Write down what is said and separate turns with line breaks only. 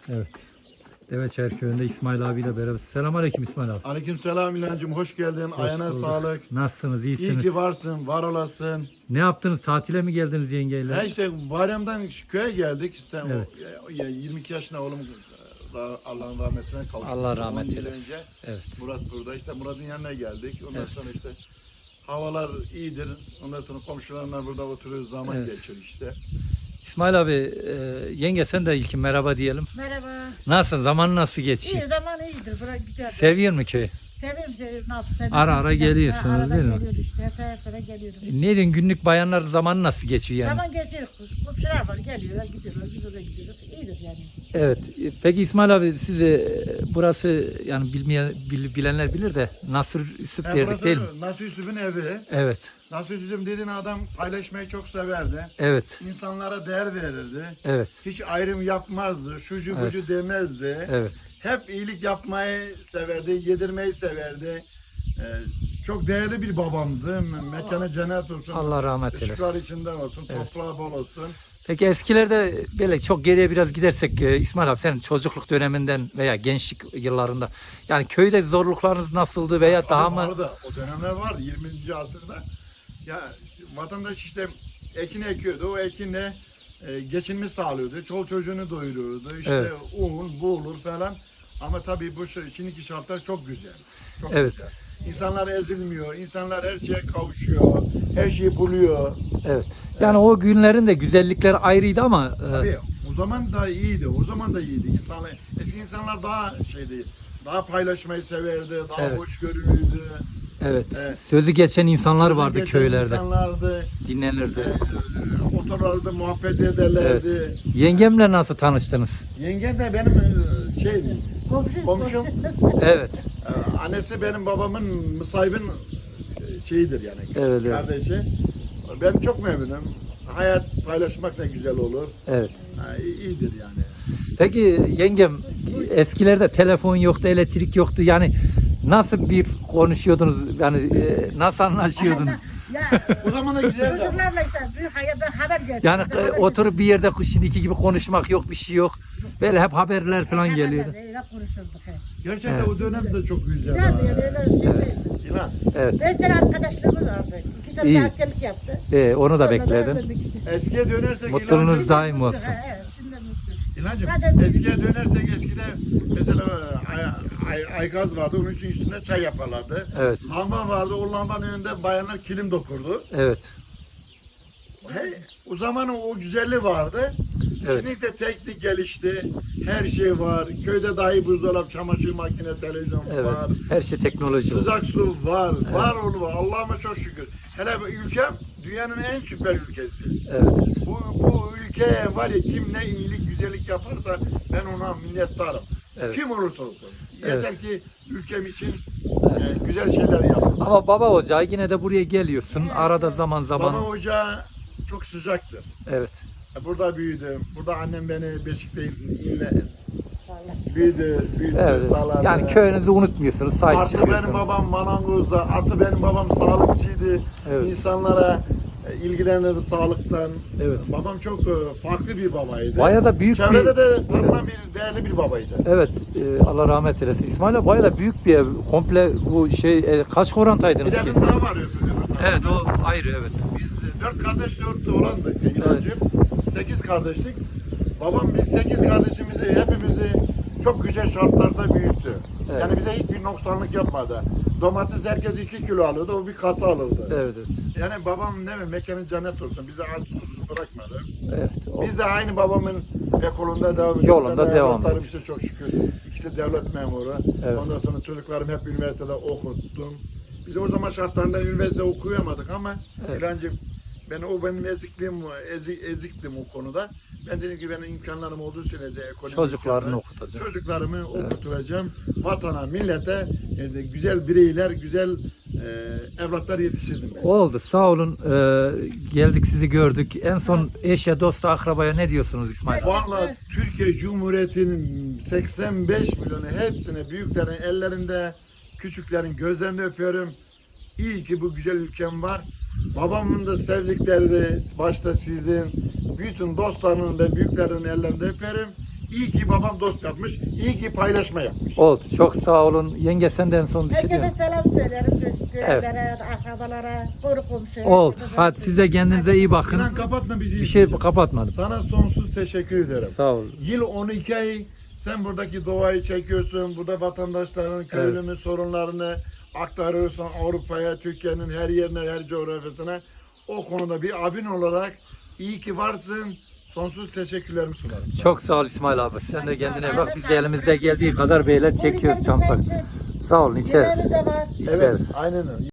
Evet. Deveçayır köyünde İsmail abiyle beraber. Selamünaleyküm İsmail abi.
Aleykümselam İlhancığım, hoş geldin.
Hoş
Ayağına
bulduk.
sağlık.
Nasılsınız?
İyi
İyisiniz?
ki varsın, var olasın.
Ne yaptınız? Tatile mi geldiniz yengeyle?
Ya işte bayramdan köye geldik. İşte
Evet.
22 yaşında oğlum Allah'ın rahmetine kavuştu.
Allah rahmet
10 yıl
eylesin.
önce
Evet.
Murat burada. İşte Murat'ın yanına geldik. Ondan
Evet.
sonra işte havalar iyidir. Ondan sonra komşularla burada oturuyoruz. Zaman
Evet.
geçiyor işte.
İsmail abi, yenge sen de ilkin merhaba diyelim.
Merhaba.
Nasılsın? Zaman nasıl geçiyor?
İyi zaman iyidir. Bura güzel.
Seviyor mu köyü?
Seviyorum. Ne yapayım?
Ara ara geliyorsunuz,
Arada
değil mi?
geliyoruz işte. Her sene geliyorum.
Ne diyorsun? Günlük bayanlar zamanı nasıl geçiyor yani?
Zaman geçiyor. Komşular var. Geliyorlar, gidiyorlar. Biz oraya gidiyoruz. İyidir yani.
Evet. Peki İsmail abi siz burası yani bilenler bilir de Nasır Üsüp derdik değil mi?
Nasuh Yusuf'un evi.
Evet.
Nasuh Yusuf dediğin adam paylaşmayı çok severdi.
Evet.
İnsanlara değer verirdi.
Evet.
Hiç ayrım yapmazdı, şucu
Evet.
bucu demezdi.
Evet.
Hep iyilik yapmayı severdi, yedirmeyi severdi. Çok değerli bir babamdı. Mekana cennet olsun.
Allah rahmet
Işıklar
eylesin.
içinde olsun,
Evet.
toprağı bol olsun.
Peki eskilerde böyle çok geriye biraz gidersek İsmail abi senin çocukluk döneminden veya gençlik yıllarında yani köyde zorluklarınız nasıldı veya daha
Tabii
mı?
vardı, o dönemler vardı 20. asırda. Ya vatandaş işte ekin ekiyordu, o ekinle geçinme sağlıyordu. Çoluk çocuğunu doyuruyordu. İşte
Evet.
un, buğulur falan. Ama tabii bu şimdiki şartlar çok güzel. Çok
Evet.
güzel. İnsanlar ezilmiyor, insanlar her şeye kavuşuyor, her şeyi buluyor.
Evet. Yani o günlerin de güzellikleri ayrıydı ama
Tabii o zaman da iyiydi, o zaman da iyiydi. Eski insanlar daha şeydi, daha paylaşmayı severdi, daha
Evet.
hoşgörülüydü.
evet,
Evet.
sözü geçen insanlar vardı
Geçen
köylerde.
İnsanlardı,
Dinlenirdi.
otururlardı, muhabbet ederlerdi.
Evet. Yengemle nasıl tanıştınız?
Yengem de benim komşum.
Evet.
Annesi benim babamın müsahibin şeyidir yani,
Evet, evet.
kardeşi. Ben çok memnunum. Hayat paylaşmak da güzel olur.
Evet.
İyidir yani.
Peki yengem eskilerde telefon yoktu, elektrik yoktu. Yani nasıl bir konuşuyordunuz? Yani nasıl anlaşıyordunuz?
Ya
O zaman da güzeldi.
çocuklarla işte bir haber geldi.
Yani oturup bir yerde şimdiki gibi konuşmak yok, bir şey yok. Böyle hep haberler falan geliyordu.
Öyle konuşurduk.
Gerçekten
Evet.
o dönem de çok güzeldi.
Güzel öyle
Evet.
İnan.
Evet.
5 tane arkadaşlarımız vardı. 2 tane
İyi.
de askerlik yaptı.
Onu da
Sonra
bekledim.
öldürdük ikisini.
Eskiye dönersek
Mutluluğunuz
İlhancığım,
daim olsun.
Evet, şimdi mutluyuz.
İlhancığım,
Zaten-
eskiye dönersek eskide mesela aygaz vardı, onun için üstünde çay yaparlardı.
Evet.
Lamba vardı, o lambanın önünde bayanlar kilim dokurdu.
Evet.
O zaman o güzelliği vardı.
Evet.
Şimdi de teknik gelişti. Her şey var. Köyde dahi buzdolabı, çamaşır makine, televizyon
Evet.
var.
Her şey teknoloji.
Sıcak su var. Var oğlu var. Allah'ıma çok şükür. Hele bu ülkem dünyanın en süper ülkesi.
Evet.
Bu ülkeye var ya, kim ne iyilik, güzellik yaparsa ben ona minnettarım.
Evet.
Kim olursa olsun. Yeter
Evet.
ki ülkem için güzel şeyler yapsın.
Ama baba ocağı yine de buraya geliyorsun. Arada zaman zaman.
Baba ocağı çok sıcaktır.
Evet.
Burada büyüdüm. Burada annem beni Beşik'te
Vallahi.
büyüdü,
Evet.
sağladı.
Yani köyünüzü unutmuyorsunuz. Sahip
Artı
çıkıyorsunuz.
benim babam manangozda, artı benim babam sağlıkçıydı.
Evet.
İnsanlara ilgilenirdi sağlıktan.
Evet.
Babam çok farklı bir babaydı.
Bayağı da büyük
Çevrede
bir...
de tanınan
Evet.
bir değerli bir babaydı.
Evet, Allah rahmet eylesin. İsmail abi bayağı da büyük bir ev. Komple bu kaç
Bir
korantaydınız
de
ki?
kız daha var öbür tarafta.
Evet, o ayrı, evet.
Biz 4 kardeş 4 oğlandık İlhancığım. 8 kardeşlik. Babam biz 8 kardeşimizi hepimizi çok güzel şartlarda büyüttü.
Evet.
Yani bize hiçbir noksanlık yapmadı. Domates herkes 2 kilo alıyordu, o bir kasa alırdı.
Evet, evet.
Yani babam ne mi mekanı cennet olsun, bizi aç susuz bırakmadı.
Evet.
Biz de aynı babamın ekolunda devam ediyoruz.
Yolunda
Ben de
devam
evlatlarım
ediyoruz.
işte çok şükür. İkisi devlet memuru.
Evet.
Ondan sonra çocuklarım hep üniversitede okuttum. Biz o zaman şartlarında üniversite okuyamadık ama
Evet.
İlhancığım, benim eziktim o konuda. Ben dedim ki benim imkanlarım olduğu sürece ekonomik
Çocuklarını
imkanlar,
okutacak.
çocuklarımı okutacağım. Vatana, millete güzel bireyler, güzel evlatlar yetiştirdim ben.
Oldu, sağ olun. Geldik, sizi gördük. En son eşe, dosta, akrabaya ne diyorsunuz İsmail abi?
Vallahi Türkiye Cumhuriyeti'nin 85 milyonu hepsine, büyüklerin ellerinde, küçüklerin gözlerinde öpüyorum. İyi ki bu güzel ülkem var. Babamın da sevdikleri de başta sizin, bütün dostlarının da büyüklerin ellerinde öperim. İyi ki babam dost yapmış. İyi ki paylaşma yapmış.
Oldu. Çok sağ olun. Yenge senden son bir şey diyor
Herkese
musun?
selam söylerim. Görenlere, akrabalara, koru komşuya.
Oldu.
herkese
Hadi
selam
size kendinize iyi bakın.
Sinan kapatma bizi.
Bir şey kapatmadım.
Sana sonsuz teşekkür ederim.
Sağ olun.
Yıl 12 ay sen buradaki doğayı çekiyorsun. Burada vatandaşların köylünün sorunlarını aktarıyorsun Avrupa'ya, Türkiye'nin her yerine, her coğrafyasına. O konuda bir abin olarak iyi ki varsın. Sonsuz teşekkürlerimi sunarım. sana.
Çok sağ ol İsmail abi. Sen de kendine bak. Biz de elimizde geldiği kadar böyle çekiyoruz Çamsak. Sağ olun. İçeriz.
Yemeğimiz de var.
İçeriz.
Evet, aynen öyle.